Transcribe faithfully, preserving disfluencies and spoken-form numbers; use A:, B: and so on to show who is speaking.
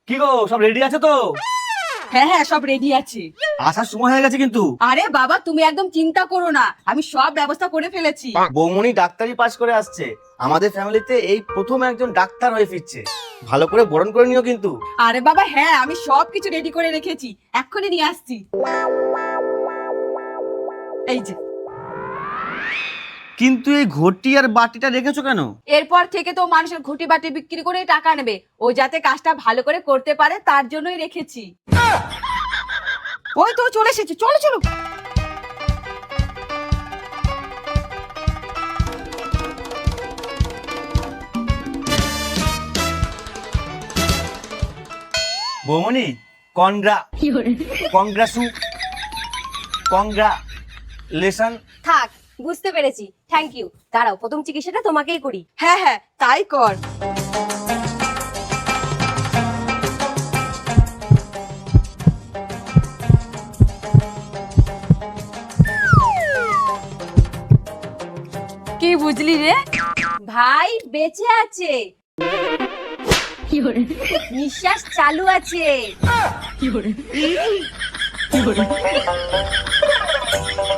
A: কি গো, সব রেডি আছে তো?
B: হ্যাঁ হ্যাঁ সব রেডি আছে।
A: আসার সময় হয়ে গেছে কিন্তু।
B: আরে বাবা তুমি একদম চিন্তা করো না, আমি সব ব্যবস্থা করে ফেলেছি।
A: বৌমনি ডাক্তারি পাস করে আসছে, আমাদের ফ্যামিলিতে এই প্রথম একজন ডাক্তার হয়ে ফিরছে। ভালো করে বরণ করে নিও কিন্তু।
B: আরে বাবা হ্যাঁ, আমি সব কিছু রেডি করে রেখেছি, এক্ষুনি নিয়ে আসছি। এই যে।
A: কিন্তু এই ঘটি আর বাটিটা রেখেছো কেন?
B: এরপর থেকে তো মানুষের ঘটি বাটি বিক্রি করে টাকা নেবে, ও যাতে কাজটা ভালো করে করতে পারে তার জন্যই রেখেছি। ওই তো চলে এসেছে, চলো চলো।
A: বৌমনি কনগ্রা কংগ্রাসু কংগ্রালেশন।
C: থাক, বুঝতে পেরেছি, থ্যাংক ইউ। দাঁড়াও, প্রথম চিকিৎসাটা তোমাকেই করি।
B: হ্যাঁ হ্যাঁ তাই কর। কি বুঝলি রে?
C: ভাই বেঁচে আছে, নিঃশ্বাস চালু আছে।